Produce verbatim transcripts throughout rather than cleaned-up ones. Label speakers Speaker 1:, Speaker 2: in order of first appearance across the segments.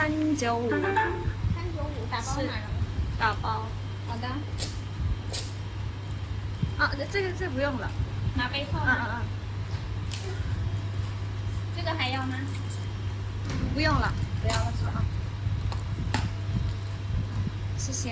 Speaker 1: 三九五，
Speaker 2: 三九五打包
Speaker 1: 是
Speaker 2: 哪儿？
Speaker 1: 打包。
Speaker 2: 好的，
Speaker 1: 啊，这个这不用了。
Speaker 2: 拿杯套
Speaker 1: 嗯
Speaker 2: 吗？
Speaker 1: 嗯
Speaker 2: 这个还要吗？
Speaker 1: 嗯，不用了。
Speaker 2: 不要了是吧？
Speaker 1: 谢谢。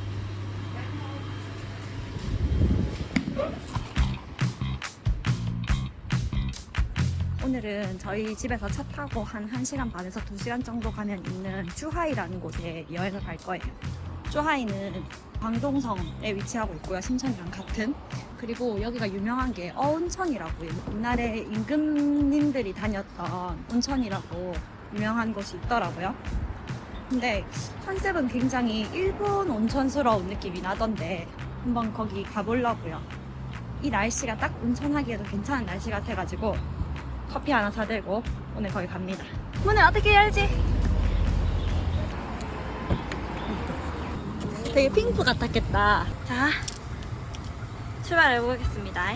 Speaker 1: 오늘은 저희 집에서 차 타고 한 1시간 반에서 두 시간 정도 가면 있는 쭈하이라는 곳에 여행을 갈 거예요. 쭈하이는 광동성에 위치하고 있고요. 신천이랑 같은. 그리고 여기가 유명한 게 어온천이라고 옛날에 임금님들이 다녔던 온천이라고 유명한 곳이 있더라고요. 근데 컨셉은 굉장히 일본 온천스러운 느낌이 나던데 한번 거기 가보려고요. 이 날씨가 딱 온천하기에도 괜찮은 날씨 같아가지고 커피 하나 사들고 오늘 거기 갑니다. 문을 어떻게 열지? 되게 핑크 같았겠다. 자, 출발해 보겠습니다.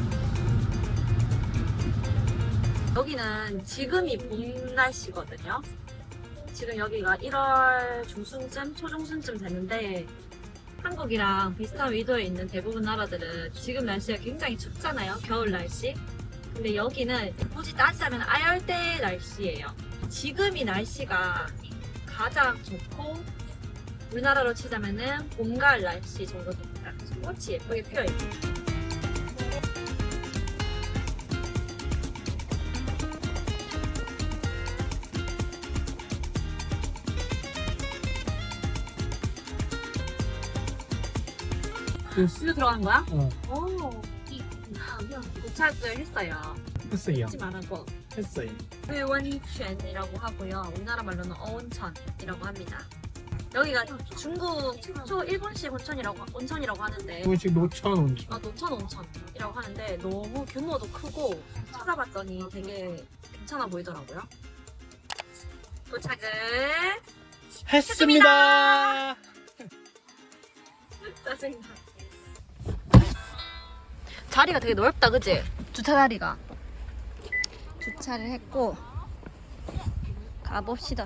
Speaker 1: 여기는 지금이 봄 날씨거든요. 지금 여기가 일월 중순쯤, 초중순쯤 됐는데 한국이랑 비슷한 위도에 있는 대부분 나라들은 지금 날씨가 굉장히 춥잖아요. 겨울 날씨. 근데 여기는 굳이 따지자면 아열대 날씨예요. 지금이 날씨가 가장 좋고 우리나라로 치자면은 봄, 가을 날씨 정도 됩니다. 꽃이 예쁘게 피어있고. 술로 들어간 거야?
Speaker 3: 어,
Speaker 1: 오. 도착을 했어요.
Speaker 3: 했어요.
Speaker 1: 잊지 말고.
Speaker 3: 했어요.
Speaker 1: 회원泉이라고 하고요. 우리나라 말로는 어온천이라고 합니다. 여기가 중국 최초 일본식 온천이라고 온천이라고 하는데
Speaker 3: 이것이 노천 온천.
Speaker 1: 아, 노천 온천이라고 하는데 너무 규모도 크고 찾아봤더니 되게 괜찮아 보이더라고요. 도착을
Speaker 3: 했습니다.
Speaker 1: 짜증나. 자리가 되게 넓다, 그치? 주차 자리가. 주차를 했고 가봅시다.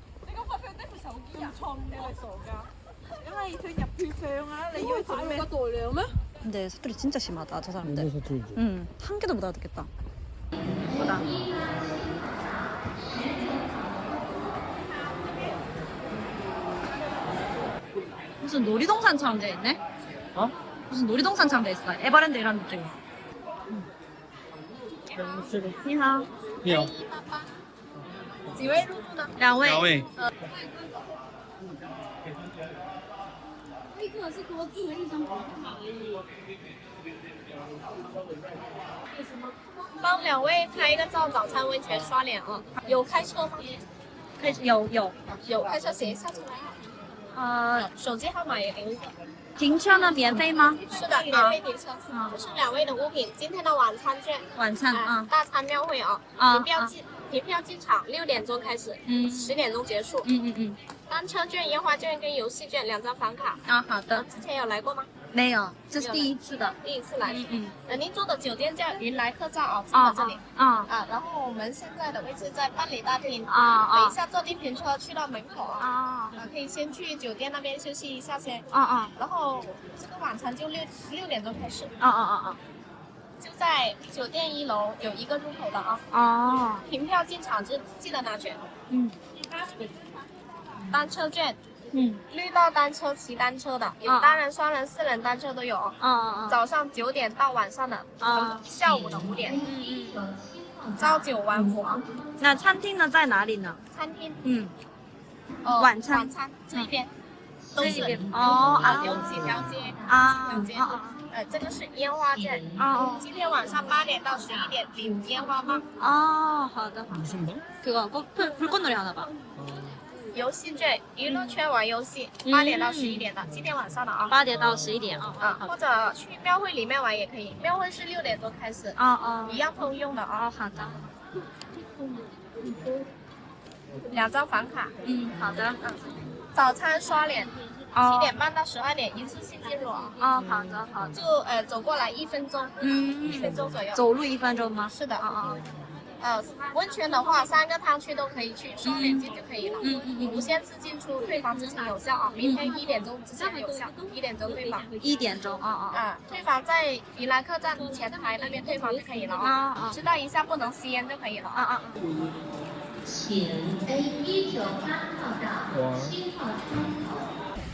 Speaker 1: 근데 사투리 진짜 심하다, 저 사람들.
Speaker 3: 여기서 들죠.
Speaker 1: 응, 한 개도 못 알아듣겠다. 보다. 무슨 놀이동산처럼 돼 있네?
Speaker 3: 어?
Speaker 1: 무슨 놀이동산처럼 돼 있어. 에버랜드 이런 느낌.你好，
Speaker 3: 你好，
Speaker 2: 几位入住呢？
Speaker 1: 两位。
Speaker 3: 两位。
Speaker 2: 一个是多字的一张帮两位拍一个照，早餐温泉刷脸啊！有开车吗？
Speaker 1: 开始有有
Speaker 2: 有开车，写一下出来。
Speaker 1: 呃，
Speaker 2: 手机号码也留一个。
Speaker 1: 停车呢免费吗？
Speaker 2: 是的，免费停车。
Speaker 1: 啊
Speaker 2: 这是两位的物品，今天的晚餐券。
Speaker 1: 晚餐
Speaker 2: 哎
Speaker 1: 啊
Speaker 2: 大餐庙会啊！
Speaker 1: 啊
Speaker 2: 凭票进凭票进场，六点钟开始，
Speaker 1: 嗯
Speaker 2: 十点钟结束。
Speaker 1: 嗯嗯嗯
Speaker 2: 单车券、烟花券跟游戏券两张房卡。
Speaker 1: 啊，好
Speaker 2: 呃，
Speaker 1: 的，
Speaker 2: 之前有来过吗？
Speaker 1: 没有，这是第一次的。
Speaker 2: 第一次来。
Speaker 1: 嗯嗯
Speaker 2: 呃，您住的酒店叫云来客栈啊，住
Speaker 1: 啊
Speaker 2: 的这里。
Speaker 1: 啊
Speaker 2: 啊，然后我们现在的位置在办理大厅。
Speaker 1: 啊啊
Speaker 2: 等一下坐电瓶车去到门口啊。
Speaker 1: 啊
Speaker 2: 啊，可以先去酒店那边休息一下先。
Speaker 1: 啊啊
Speaker 2: 然后这个晚餐就六六点钟开始，
Speaker 1: 啊啊
Speaker 2: 就在酒店一楼有一个入口的啊。
Speaker 1: 啊啊！
Speaker 2: 凭票进场记记得拿券。
Speaker 1: 嗯
Speaker 2: 单车券，
Speaker 1: 嗯
Speaker 2: 绿道单车骑单车的，有
Speaker 1: 啊
Speaker 2: 单人、双人、四人单车都有哦。
Speaker 1: 啊啊
Speaker 2: 早上九点到晚上的，
Speaker 1: 啊
Speaker 2: 下午的五点，
Speaker 1: 嗯嗯。
Speaker 2: 朝九晚五啊。
Speaker 1: 那餐厅呢在哪里呢？
Speaker 2: 餐厅，
Speaker 1: 嗯
Speaker 2: 呃，
Speaker 1: 晚餐
Speaker 2: 晚餐这一边都是
Speaker 1: 这一边哦啊
Speaker 2: 有几条街，
Speaker 1: 啊
Speaker 2: 几条街。
Speaker 1: 啊
Speaker 2: 呃，这个是烟花券，
Speaker 1: 啊
Speaker 2: 今天晚上八点到十一点领烟花棒。
Speaker 1: 啊！好的，
Speaker 3: 무슨 거?
Speaker 1: 그거 꽃 불, 불꽃놀이 하나 봐.
Speaker 2: 游戏券，娱乐圈玩游戏，
Speaker 1: 嗯
Speaker 2: 八点到十一点的，今天晚上的啊。
Speaker 1: 八点到十一点啊
Speaker 2: 啊，或者去庙会里面玩也可以，庙会是六点钟开始，
Speaker 1: 啊啊
Speaker 2: 一样通用的啊。
Speaker 1: 哦，好的，
Speaker 2: 两张房卡，
Speaker 1: 嗯，好的，
Speaker 2: 早餐刷脸，
Speaker 1: 哦
Speaker 2: 七点半到十二点一次性进入啊。
Speaker 1: 哦，好的，好的，
Speaker 2: 就呃走过来一分钟，
Speaker 1: 嗯
Speaker 2: 一分钟左右。
Speaker 1: 走路一分钟吗？
Speaker 2: 是的，
Speaker 1: 啊啊
Speaker 2: 呃，温泉的话，三个汤区都可以去，刷脸进就可以了。
Speaker 1: 嗯嗯
Speaker 2: 你不限制进出，退房之前有效啊，明天一点钟之前有效，一点钟退房。
Speaker 1: 一点钟啊啊
Speaker 2: 啊，退房在宜兰客站前台那边退房就可以了
Speaker 1: 啊
Speaker 2: 啊，
Speaker 1: 啊
Speaker 2: 知道一下不能吸烟就可以了
Speaker 1: 啊啊！
Speaker 3: 请 A 一九八号到七号出口。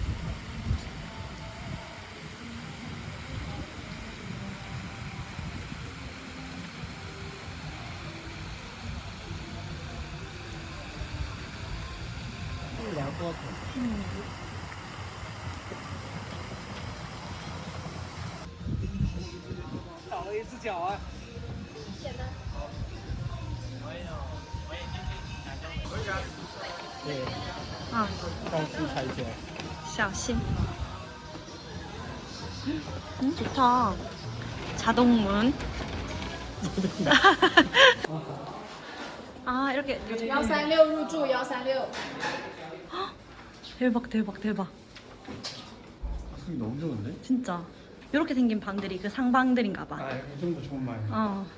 Speaker 4: 聊过头。
Speaker 1: 嗯。
Speaker 4: 少了一只脚啊！对，
Speaker 1: 啊，
Speaker 4: 高速踩起来。
Speaker 1: 小心。음, 좋다. 자동문. 아, 이렇게.
Speaker 2: 幺三六入住，幺三六。
Speaker 1: 대박, 대박, 대박.
Speaker 4: 숨이 너무 좋은데?
Speaker 1: 진짜. 이렇게 생긴 방들이 그 상방들인가 봐.
Speaker 4: 아, 이 정도 좋은 말이야.
Speaker 1: 어.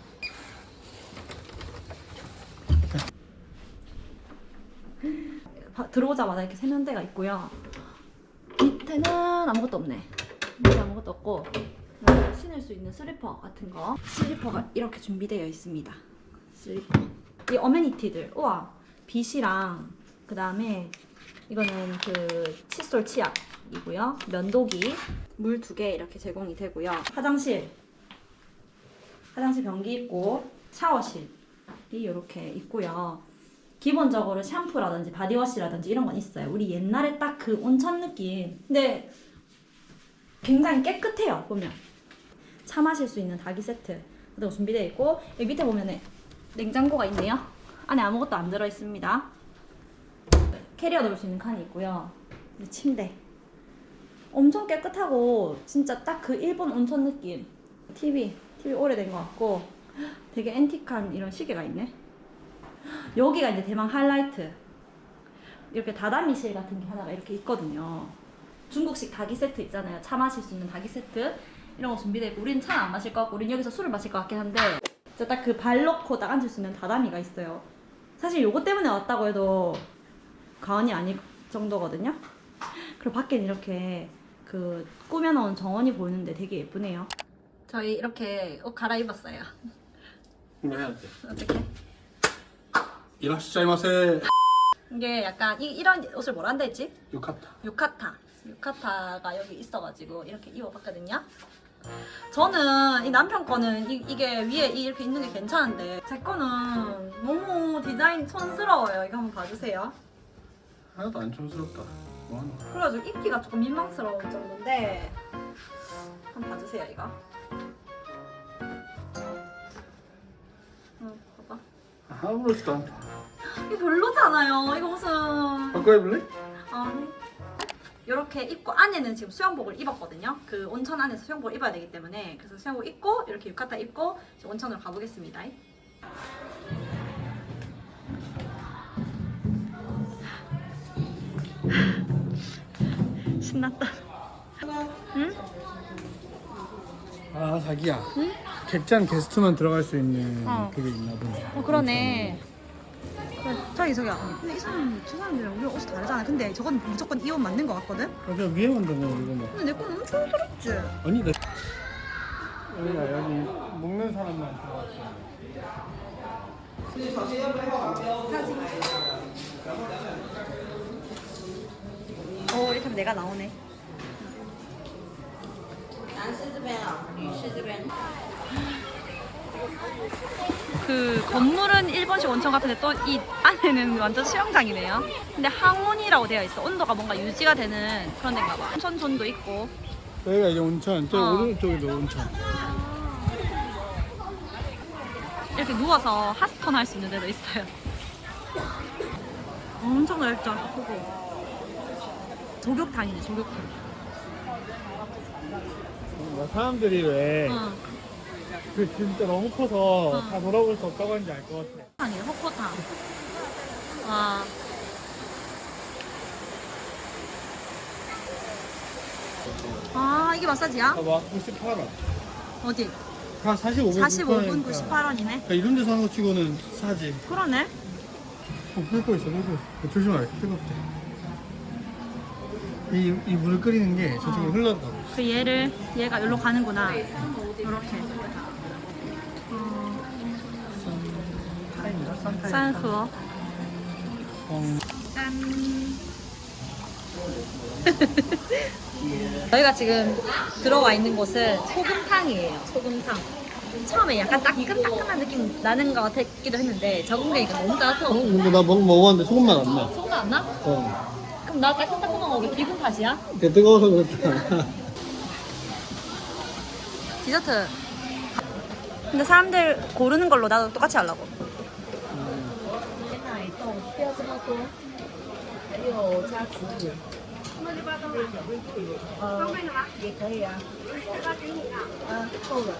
Speaker 1: 바- 들어오자마자 이렇게 세면대가 있고요. 밑에는 아무것도 없네. 밑에 아무것도 없고 그리고 신을 수 있는 슬리퍼 같은 거. 슬리퍼가 이렇게 준비되어 있습니다. 슬리퍼. 이 어메니티들. 우와. 빗이랑 그 다음에 이거는 그 칫솔 치약이고요. 면도기, 물 두 개 이렇게 제공이 되고요. 화장실, 화장실 변기 있고 샤워실이 이렇게 있고요. 기본적으로 샴푸라든지 바디워시라든지 이런 건 있어요. 우리 옛날에 딱 그 온천 느낌. 근데 굉장히 깨끗해요. 보면 차 마실 수 있는 닭이 세트 그리고 준비되어 있고 여기 밑에 보면 냉장고가 있네요. 안에 아무것도 안 들어 있습니다. 캐리어 넣을 수 있는 칸이 있고요. 침대. 엄청 깨끗하고 진짜 딱 그 일본 온천 느낌. 티비, 티비 오래된 것 같고 되게 앤틱한 이런 시계가 있네. 여기가 이제 대망 하이라이트. 이렇게 다다미실 같은 게 하나가 이렇게 있거든요. 중국식 닭이 세트 있잖아요. 차 마실 수 있는 닭이 세트 이런 거 준비되어 있고 우리는 차는 안 마실 것 같고 우리는 여기서 술을 마실 것 같긴 한데 진짜 딱 그 발 넣고 딱 앉을 수 있는 다다미가 있어요. 사실 요거 때문에 왔다고 해도 과언이 아닐 정도거든요. 그리고 밖엔 이렇게 그 꾸며놓은 정원이 보이는데 되게 예쁘네요. 저희 이렇게 옷 갈아입었어요.
Speaker 4: 이거 해야 돼.
Speaker 1: 어떻게?
Speaker 4: 이라시자이마세.
Speaker 1: 이게 약간 이, 이런 옷을 뭐라 한다 했지?
Speaker 4: 유카타.
Speaker 1: 유카타. 유카타가 여기 있어가지고 이렇게 입어봤거든요. 저는 이 남편 거는 이, 이게 위에 이렇게 있는 게 괜찮은데 제 거는 너무 디자인 촌스러워요. 이거 한번 봐주세요.
Speaker 4: 하나도 안 촌스럽다. 뭐하노?
Speaker 1: 그래가지고 입기가 조금 민망스러운 정도인데 한번 봐주세요 이거. 응, 봐봐.
Speaker 4: 아무렇지도 않다.
Speaker 1: 이거 별로잖아요. 이거 무슨
Speaker 4: 바꿔입을래?
Speaker 1: 아니 이렇게 입고 안에는 지금 수영복을 입었거든요. 그 온천 안에서 수영복을 입어야 되기 때문에 그래서 수영복 입고 이렇게 유카타 입고 이제 온천으로 가보겠습니다. 신났다. 응?
Speaker 4: 아, 자기야.
Speaker 1: 응?
Speaker 4: 객잔 게스트만 들어갈 수 있는
Speaker 1: 어.
Speaker 4: 그게 있나 보네.
Speaker 1: 어 그러네. 그래, 저기 저기야. 근데 이 사람 저 사람들이랑 우리 옷이 다르잖아. 근데 저건 무조건 이 옷 맞는 거 같거든.
Speaker 4: 아, 저 위에만 되면 이거 뭐.
Speaker 1: 근데 내 건 너무 촌스럽지.
Speaker 4: 아니, 나. 여기가 여기 먹는 사람만 들어갔어.
Speaker 1: 어 이렇게 하면 내가 나오네. 그 건물은 일본식 온천 같은데 또 이 안에는 완전 수영장이네요. 근데 항온이라고 되어 있어. 온도가 뭔가 유지가 되는 그런 데인가 봐. 온천존도 있고.
Speaker 4: 여기가 이제 온천, 저
Speaker 1: 어.
Speaker 4: 오른쪽에도 온천.
Speaker 1: 이렇게 누워서 핫스톤 할 수 있는 데도 있어요. 엄청 넓죠. 크고. 조격탕이네, 조격탕.
Speaker 4: 뭐 사람들이 왜
Speaker 1: 응.
Speaker 4: 그 진짜 너무 커서
Speaker 1: 어.
Speaker 4: 다 돌아볼 수 없다고 하는지 알 것 같아.
Speaker 1: 아니, 호코탕. 와. 아, 이게 마사지야?
Speaker 4: 봐봐, 구십팔 원.
Speaker 1: 어디?
Speaker 4: 다 사십오 분.
Speaker 1: 사십오 분 구십팔 원이네.
Speaker 4: 그러니까 이런 데서 하는 거 치고는 싸지.
Speaker 1: 그러네.
Speaker 4: 어, 끓고 있어, 끓고 있어. 조심하래, 뜨겁대. 이, 이 물을 끓이는 게 저쪽으로
Speaker 1: 어.
Speaker 4: 흘러가고.
Speaker 1: 그 얘를 얘가 여기로 가는구나. 이렇게. 어,
Speaker 4: 타임이다, 싼 타임.
Speaker 1: 싼河.
Speaker 4: 어,
Speaker 1: 짠. 저희가 지금 들어와 있는 곳은 소금탕이에요. 소금탕. 처음에 약간 따끈따끈한 느낌 나는 것 같기도 했는데 적응되니까 너무
Speaker 4: 어,
Speaker 1: 따뜻하고.
Speaker 4: 근데 나 먹, 먹었는데 소금만 안 나.
Speaker 1: 소금 안 나?
Speaker 4: 어.
Speaker 1: 그럼 나 따끈따끈한 거 왜 기분 탓이야?
Speaker 4: 그게 뜨거워서 그렇다.
Speaker 1: 디저트. 근데 사람들 고르는 걸로 나도 똑같이 하려고.
Speaker 2: 鲜奶冻不要这么多，还有加紫薯。呃，也可以啊。嗯，够了。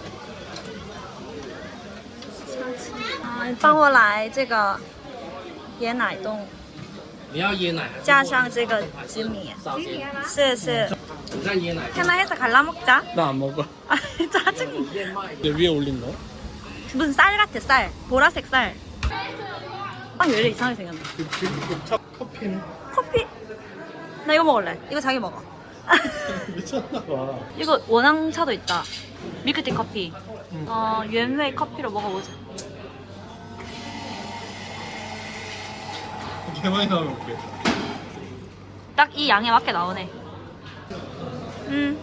Speaker 1: 啊，帮我来这个椰奶冻，
Speaker 5: 你要椰奶，
Speaker 1: 加上这个紫米。
Speaker 5: 少些。
Speaker 1: 是是。
Speaker 5: 你看椰奶，
Speaker 1: 하나해서 갈라 먹자.
Speaker 4: 나 안 먹어.
Speaker 1: 아, 짜증나.
Speaker 5: 燕麦。
Speaker 4: 내 위에 올린 거?
Speaker 1: 무슨 쌀 같아, 쌀. 보라색 쌀. 빵 왜 이래 이상하게 생겼네.
Speaker 4: 그, 그, 녹차 커피는?
Speaker 1: 커피? 나 이거 먹을래. 이거 자기 먹어.
Speaker 4: 미쳤나봐.
Speaker 1: 이거 원앙차도 있다. 밀크티 커피.
Speaker 4: 응.
Speaker 1: 어,原味 커피로 먹어보자.
Speaker 4: 개 많이 나오면 어떡해.
Speaker 1: 딱 이 양에 맞게 나오네. 음.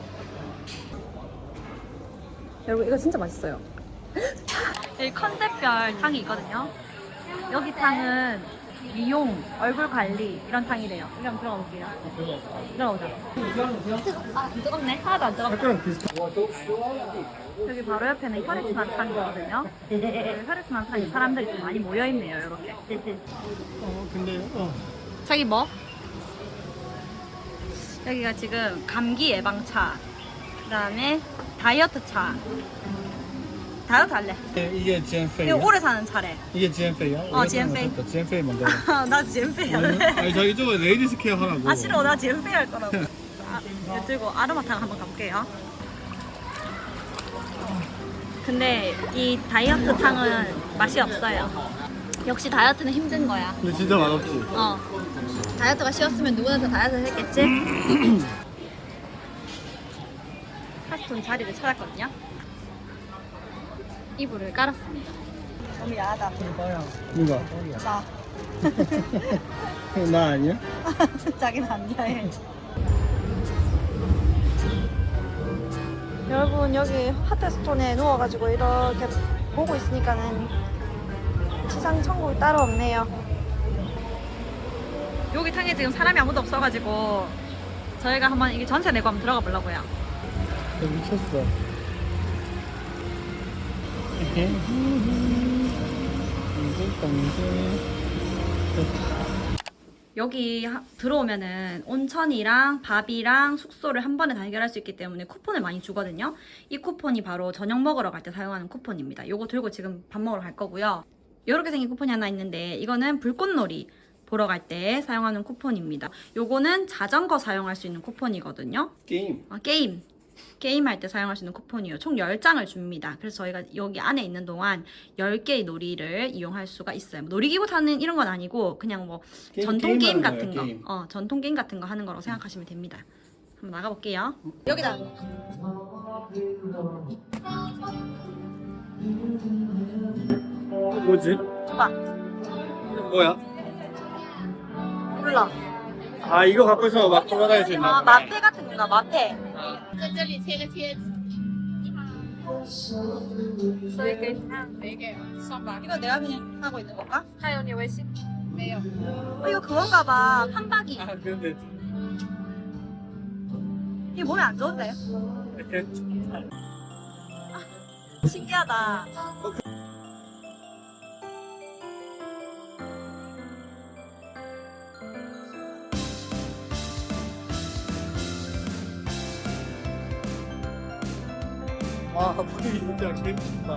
Speaker 1: 여러분 이거 진짜 맛있어요. 여기 컨셉별 탕이 있거든요. 여기 탕은 미용, 얼굴 관리 이런 탕이래요. 여기 한번 들어가 볼게요. 들어가보자. 아, 안 뜨겁네. 하나도 안 뜨겁다.
Speaker 4: 약간 비슷한.
Speaker 1: 여기 바로 옆에는 혈액순환 탕이거든요. 혈액순환 탕이 사람들이 좀 많이 모여있네요. 이렇게.
Speaker 4: 어, 근데, 어.
Speaker 1: 자기 뭐? 여기가 지금 감기 예방차, 그 다음에 다이어트 차. 다이어트 할래.
Speaker 4: 이게 지엔페이.
Speaker 1: 이거 오래 사는 차래.
Speaker 4: 이게 지엔페이야?
Speaker 1: 어, 지엔페이.
Speaker 4: 지엔페이 먼저.
Speaker 1: 나 젠페이 할래.
Speaker 4: 아니, 저기 저거 레이디스 케어 하라고.
Speaker 1: 아 싫어, 나 젠페이 할 거라고. 아, 이거 들고 아로마탕 한번 가볼게요. 근데 이 다이어트 탕은 맛이 없어요. 역시 다이어트는 힘든 거야.
Speaker 4: 근데 진짜 맛없지?
Speaker 1: 어. 다이어트가 쉬웠으면 누구나 다 다이어트를 했겠지? 파스톤 자리를 찾았거든요. 이불을 깔았습니다. 너무 야하다.
Speaker 4: 누가?
Speaker 1: 나.
Speaker 4: 나 아니야?
Speaker 1: 자기는 안 야해. 여러분 여기 하트스톤에 누워가지고 이렇게 보고 있으니까는 지상 천국 따로 없네요. 여기 탕에 지금 사람이 아무도 없어가지고 저희가 한번 이게 전세 내고 한번 들어가 보려고요.
Speaker 4: 야, 미쳤어.
Speaker 1: 여기 하- 들어오면은 온천이랑 밥이랑 숙소를 한 번에 다 해결할 수 있기 때문에 쿠폰을 많이 주거든요. 이 쿠폰이 바로 저녁 먹으러 갈 때 사용하는 쿠폰입니다. 요거 들고 지금 밥 먹으러 갈 거고요. 이렇게 생긴 쿠폰이 하나 있는데 이거는 불꽃놀이 보러 갈 때 사용하는 쿠폰입니다. 요거는 자전거 사용할 수 있는 쿠폰이거든요.
Speaker 4: 게임.
Speaker 1: 아, 게임. 게임할 때 사용할 수 있는 쿠폰이요. 총 열 장을 줍니다. 그래서 저희가 여기 안에 있는 동안 열 개의 놀이를 이용할 수가 있어요. 놀이기구 타는 이런 건 아니고 그냥 뭐
Speaker 4: 게임,
Speaker 1: 전통 게임
Speaker 4: 게임하는
Speaker 1: 같은
Speaker 4: 거예요,
Speaker 1: 거.
Speaker 4: 게임.
Speaker 1: 어, 전통 게임 같은 거 하는 거라고 생각하시면 됩니다. 한번 나가볼게요. 여기다.
Speaker 4: 뭐지?
Speaker 1: 줘봐.
Speaker 4: 뭐야?
Speaker 1: 몰라.
Speaker 4: 아, 이거 갖고 있어 막 돌아다닐 수 있나?
Speaker 1: 아, 마페 같은 건가? 마페.
Speaker 2: 在这里贴个贴纸。
Speaker 1: 所以给你看。
Speaker 2: 没给，上吧。
Speaker 1: 이거 내가 그냥 하고 있는 건가?
Speaker 2: 还有你微信？没有。
Speaker 1: 어, 이거 그건가 봐. 판박이.
Speaker 4: 아, 근데
Speaker 1: 이게 몸에 안 좋은데?
Speaker 4: 이렇게
Speaker 1: 신기하다.
Speaker 4: 아, 분위기 진짜 재밌다.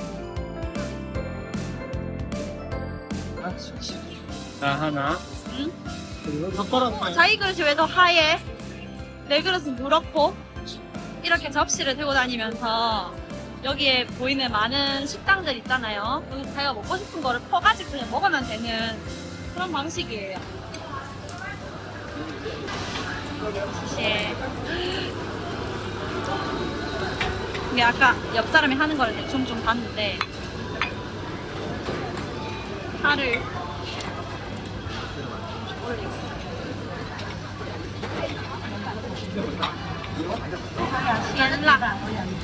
Speaker 4: 나 하나.
Speaker 1: 응?
Speaker 4: 그리고 젓가락 하나.
Speaker 1: 자기 그릇이 왜 더 하얘? 내 그릇은 누렇고 이렇게 접시를 들고 다니면서 여기에 보이는 많은 식당들 있잖아요. 여기 자기가 먹고 싶은 거를 퍼가지고 그냥 먹으면 되는 그런 방식이에요. 시시해. 이게 아까 옆 사람이 하는 거를 대충 좀 봤는데 파를 올리고 연락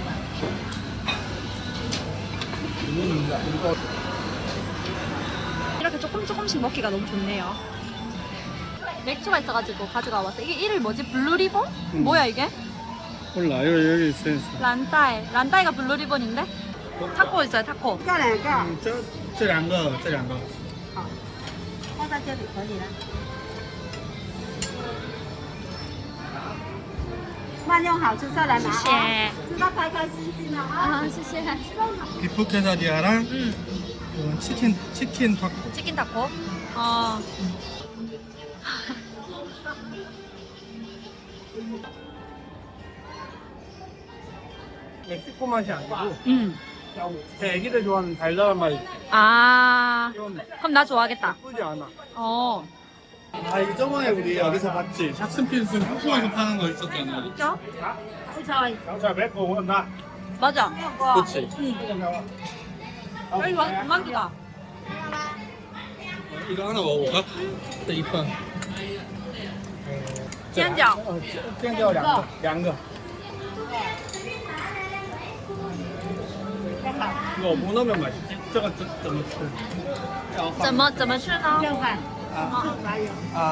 Speaker 1: 이렇게 조금 조금씩 먹기가 너무 좋네요. 맥주가 있어가지고 가져가 왔어. 이게 이름이 뭐지? 블루리본?
Speaker 4: 음.
Speaker 1: 뭐야 이게?
Speaker 4: 몰라 여기 여기 있어 있어.
Speaker 1: 란타이. 란타이가 블루리본인데? 타코 있어요, 타코.
Speaker 4: 嗯，这这两个这两个。
Speaker 2: 放在这里可以了。慢用好，吃下来拿
Speaker 1: 谢谢
Speaker 2: 啊！吃到开开心心的啊！
Speaker 1: 아, 시시해.
Speaker 4: 비프 케사디아랑
Speaker 1: 음,
Speaker 4: 이건 치킨 치킨 타코.
Speaker 1: 치킨 타코. 어.
Speaker 4: 멕시코 맛이 아니고
Speaker 1: 음.
Speaker 4: 제 애기들 좋아하는 달달한 맛이
Speaker 1: 아,
Speaker 4: 이런 맛.
Speaker 1: 그럼 나 좋아하겠다.
Speaker 4: 나쁘지 않아.
Speaker 1: 어.
Speaker 4: 아 이거 저번에 우리 여기서 봤지? 샥슨필슨 쿠쿠에서 파는 거 있었잖아.
Speaker 1: 진짜?
Speaker 4: 자, 맵고 온다.
Speaker 1: 맞아.
Speaker 4: 그렇지.
Speaker 1: 응. 여기 완 만두다.
Speaker 4: 이거 하나 먹어볼까? 네, 이판.
Speaker 1: 煎饺.
Speaker 4: 어, 煎饺两个,两个. 이거 뭐 넣으면 맛있지? 저거 저, 저, 저.
Speaker 1: 怎么怎么吃呢？
Speaker 2: 正饭，
Speaker 4: 아,
Speaker 2: 是白油。
Speaker 4: 아.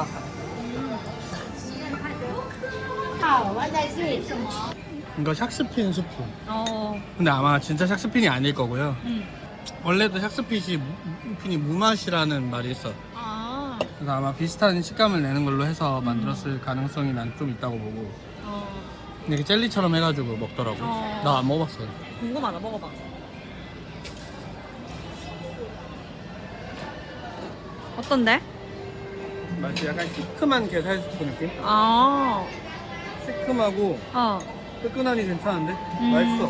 Speaker 2: 好，我再去。
Speaker 4: 이거 샥스핀 수프.
Speaker 1: 어.
Speaker 4: 근데 아마 진짜 샥스핀이 아닐 거고요.
Speaker 1: 음.
Speaker 4: 원래도 샥스핀이 핀이 무맛이라는 말이 있어.
Speaker 1: 아.
Speaker 4: 그래서 아마 비슷한 식감을 내는 걸로 해서 만들었을 가능성이 난 좀 있다고 보고.
Speaker 1: 어.
Speaker 4: 이렇게 젤리처럼 해가지고 먹더라고.
Speaker 1: 어.
Speaker 4: 나 안 먹어봤어.
Speaker 1: 궁금하다. 먹어봐. 어떤데?
Speaker 4: 맛이 약간 시큼한 게살 수프 느낌?
Speaker 1: 아.
Speaker 4: 시큼하고
Speaker 1: 어.
Speaker 4: 뜨끈하니 괜찮은데?
Speaker 1: 음.
Speaker 4: 맛있어.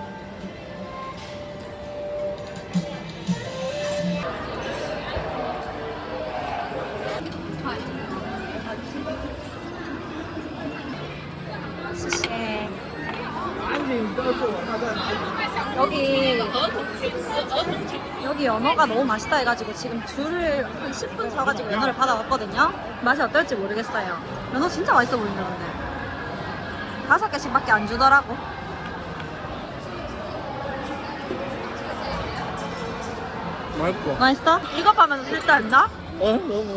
Speaker 1: 시시해. 여기 여기 연어가 너무 맛있다 해가지고 지금 줄을 한 십 분 서가지고 연어를 받아왔거든요. 맛이 어떨지 모르겠어요. 연어 진짜 맛있어 보인다 근데. 다섯 개씩밖에 안 주더라고.
Speaker 4: 맛있어.
Speaker 1: 맛있어? 이거 하면서 술 딴다?
Speaker 4: 어? 너무.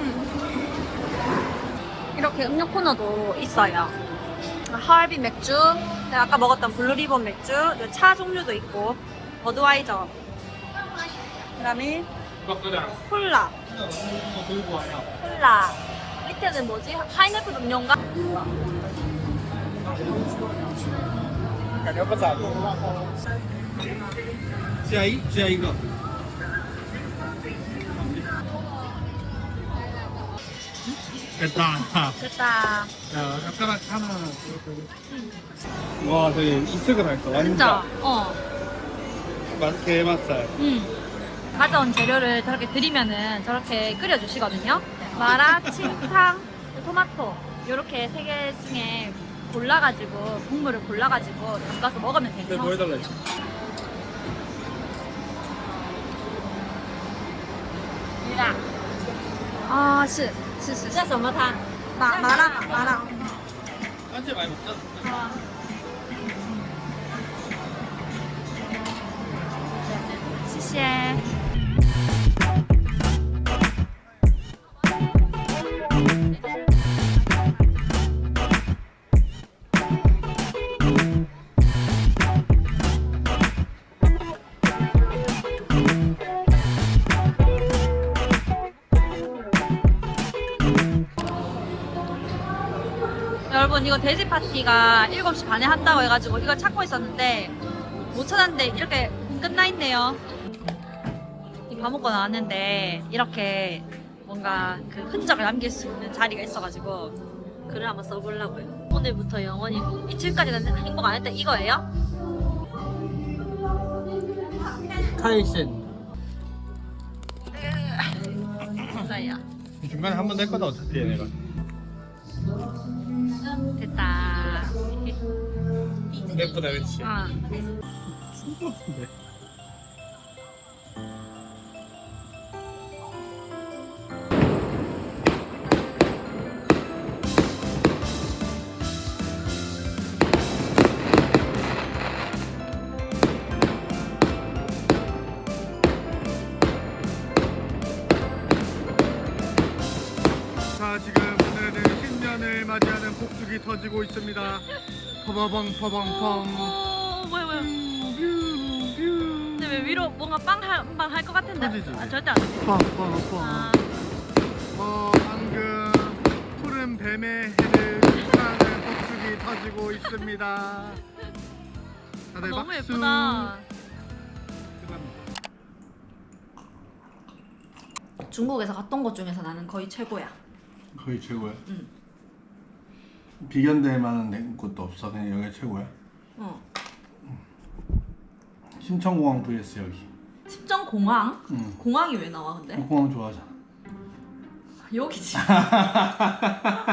Speaker 1: 이렇게 음료 코너도 있어요. 하얼빈 맥주, 내가 아까 먹었던 블루리본 맥주, 그리고 차 종류도 있고, 버드와이저, 그 다음에 콜라, 콜라. 밑에는 뭐지? 파인애플 음료인가?
Speaker 4: 感觉不咋地。加一加一个。 됐다.
Speaker 1: 됐다.
Speaker 4: 야, 젓가락 하나. 와, 되게 이색을 할까? 완전.
Speaker 1: 진짜, 어.
Speaker 4: 맛, 게맛살.
Speaker 1: 음. 가져온 재료를 저렇게 드리면은 저렇게 끓여주시거든요. 마라, 칭탕, 토마토 이렇게 세 개 중에 골라가지고 국물을 골라가지고 담가서 먹으면
Speaker 4: 근데
Speaker 1: 되네요.
Speaker 4: 뭐 해달라 했지?
Speaker 1: 아, 是是是
Speaker 2: 这什么汤？
Speaker 1: 麻麻辣麻辣。
Speaker 4: 한째 많이 먹자.
Speaker 1: 아. 谢谢。 여러분 이거 돼지 파티가 일곱 시 반에 한다고 해가지고 이걸 찾고 있었는데 못 찾았는데 이렇게 끝나 있네요. 밥 먹고 나왔는데 이렇게 뭔가 그 흔적을 남길 수 있는 자리가 있어가지고 글을 한번 써보려고요. 오늘부터 영원히 이틀까지는 행복 안 했다 이거예요?
Speaker 5: 타이슨.
Speaker 1: 진짜야.
Speaker 4: 중간에 한 번 낼 거다 어차피 얘네가.
Speaker 1: 됐다.
Speaker 4: 예쁘다 그치?
Speaker 1: 아.
Speaker 4: 신기한데. 자 지금 오늘은 신년을 맞이하는 폭죽이 터지고 있습니다. 퍼버벙 퍼벙펑.
Speaker 1: 오, 뭐야 뭐야. 근데 왜 위로 뭔가 빵한방 할 것 같은데?
Speaker 4: 터지지.
Speaker 1: 아, 절대 안 돼.
Speaker 4: 펑펑펑.
Speaker 1: 아,
Speaker 4: 어 방금 푸른 뱀의 해를 축하하는 폭죽이 터지고 있습니다. 다들
Speaker 1: 너무
Speaker 4: 박수.
Speaker 1: 예쁘다.
Speaker 4: 감사합니다.
Speaker 1: 중국에서 갔던 것 중에서 나는 거의 최고야.
Speaker 4: 거의 최고야.
Speaker 1: 응.
Speaker 4: 비견될 만한 곳도 없어. 그냥 여기가 최고야.
Speaker 1: 어.
Speaker 4: 심천공항 vs 여기.
Speaker 1: 십정공항?
Speaker 4: 응.
Speaker 1: 공항이 왜 나와 근데?
Speaker 4: 공항 좋아하잖아.
Speaker 1: 여기지.